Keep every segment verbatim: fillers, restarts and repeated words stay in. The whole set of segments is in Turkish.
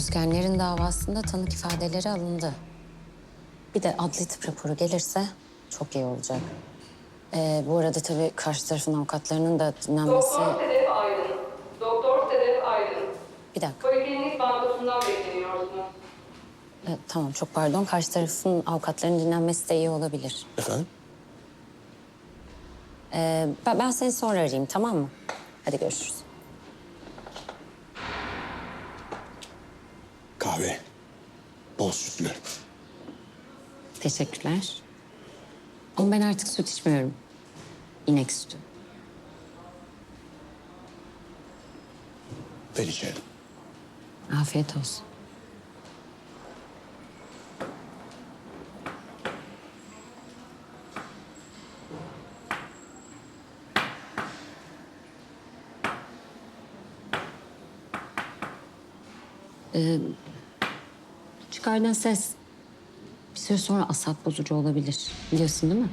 Özgenlerin davasında tanık ifadeleri alındı. Bir de adli tıp raporu gelirse çok iyi olacak. Ee, bu arada tabii karşı tarafın avukatlarının da dinlenmesi... Doktor Sedef Aydın. Doktor Sedef Aydın. Bir dakika. Poliklinik bankosundan bekleniyorsunuz. Ee, tamam, çok pardon. Karşı tarafın avukatlarının dinlenmesi de iyi olabilir. Efendim? Ee, ben, ben seni sonra arayayım, tamam mı? Hadi görüşürüz. Kahve. Bol sütlü. Teşekkürler. Ama ben artık süt içmiyorum. İnek sütü. Ver içelim. Afiyet olsun. Ee, çıkardığın ses bir süre sonra asap bozucu olabilir. Biliyorsun değil mi?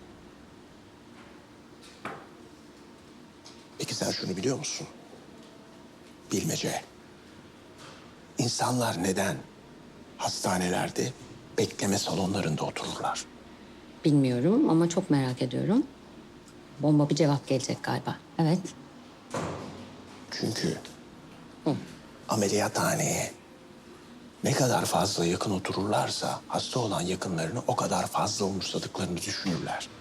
Peki sen şunu biliyor musun? Bilmece. İnsanlar neden hastanelerde bekleme salonlarında otururlar? Bilmiyorum ama çok merak ediyorum. Bomba bir cevap gelecek galiba. Evet. Çünkü ameliyathaneye ne kadar fazla yakın otururlarsa hasta olan yakınlarını o kadar fazla umursadıklarını düşünürler.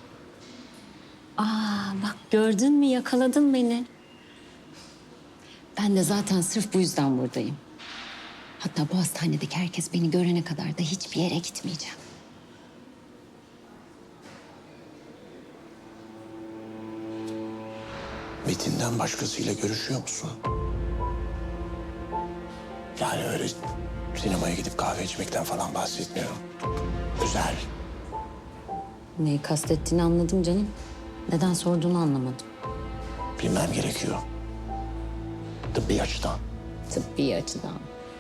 Aa bak gördün mü, yakaladın beni. Ben de zaten sırf bu yüzden buradayım. Hatta bu hastanedeki herkes beni görene kadar da hiçbir yere gitmeyeceğim. Metin'den başkasıyla görüşüyor musun? Yani öyle sinemaya gidip kahve içmekten falan bahsetmiyorum. Güzel. Neyi kastettiğini anladım canım. Neden sorduğunu anlamadım. Bilmem gerekiyor. Tıbbi açıdan. Tıbbi açıdan.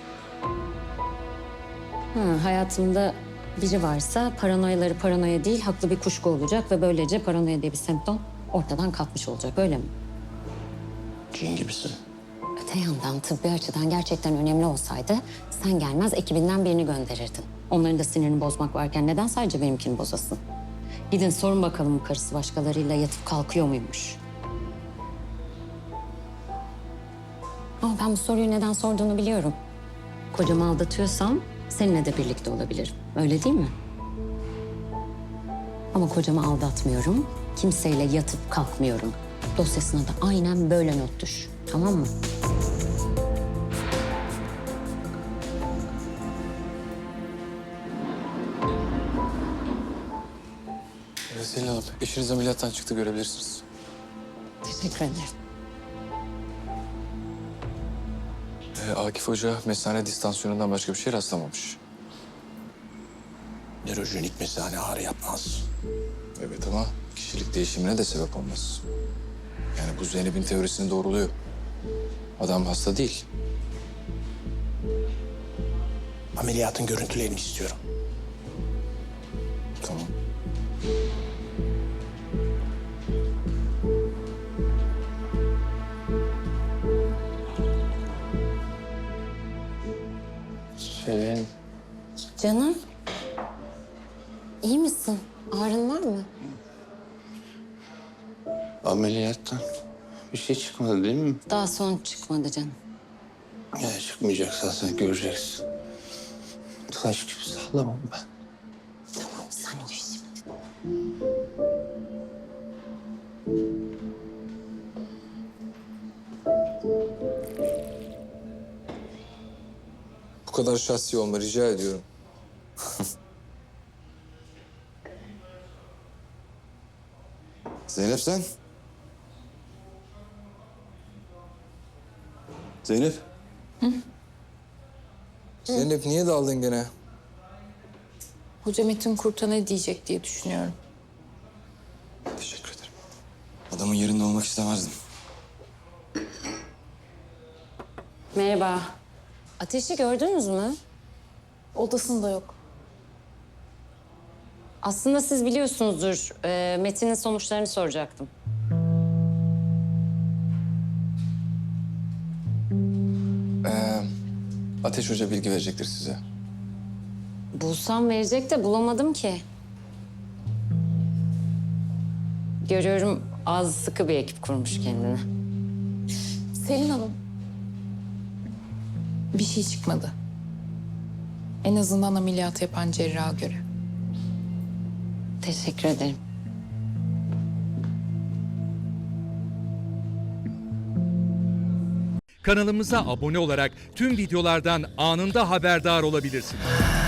Ha, hayatımda biri varsa paranoyaları paranoya değil, haklı bir kuşku olacak ve böylece paranoya diye bir semptom ortadan kalkmış olacak, öyle mi? Cin gibisin. Öte yandan tıbbi açıdan gerçekten önemli olsaydı sen gelmez ekibinden birini gönderirdin. Onların da sinirini bozmak varken neden sadece benimkini bozasın? Gidin sorun bakalım karısı başkalarıyla yatıp kalkıyor muymuş? Ama ben bu soruyu neden sorduğunu biliyorum. Kocamı aldatıyorsam seninle de birlikte olabilirim. Öyle değil mi? Ama kocamı aldatmıyorum. Kimseyle yatıp kalkmıyorum. Dosyasına da aynen böyle not düş. Tamam mı? Evet, Selin Hanım, eşiniz ameliyattan çıktı, görebilirsiniz. Teşekkür ederim. Ee, Akif Hoca mesane distansiyonundan başka bir şey rastlamamış. Nörojenik mesane ağrı yapmaz. Evet ama kişilik değişimine de sebep olmaz. Yani bu Zeynep'in teorisini doğruluyor. Adam hasta değil. Ameliyatın görüntülerini istiyorum. Tamam. Selin, Canım. İyi misin? Ağrın var mı? ameliyattan bir şey çıkmadı değil mi? Daha son çıkmadı canım. Ya çıkmayacaksa sen göreceksin. Taş gibi sallamam ben. Tamam sen uyu şimdi. Bu kadar şahsi olma rica ediyorum. Zeynep sen? Zeynep? Zeynep niye daldın gene? Hoca Metin Kurt'a ne diyecek diye düşünüyorum. Teşekkür ederim. Adamın yerinde olmak istemezdim. Merhaba. Ateşi gördünüz mü? Odasında yok. Aslında siz biliyorsunuzdur. Ee, Metin'in sonuçlarını soracaktım. Ateş Hoca bilgi verecektir size. Bulsam verecek de bulamadım ki. Görüyorum az sıkı bir ekip kurmuş kendine. Selin Hanım. Bir şey çıkmadı. En azından ameliyatı yapan cerraha göre. Teşekkür ederim. Kanalımıza abone olarak tüm videolardan anında haberdar olabilirsiniz.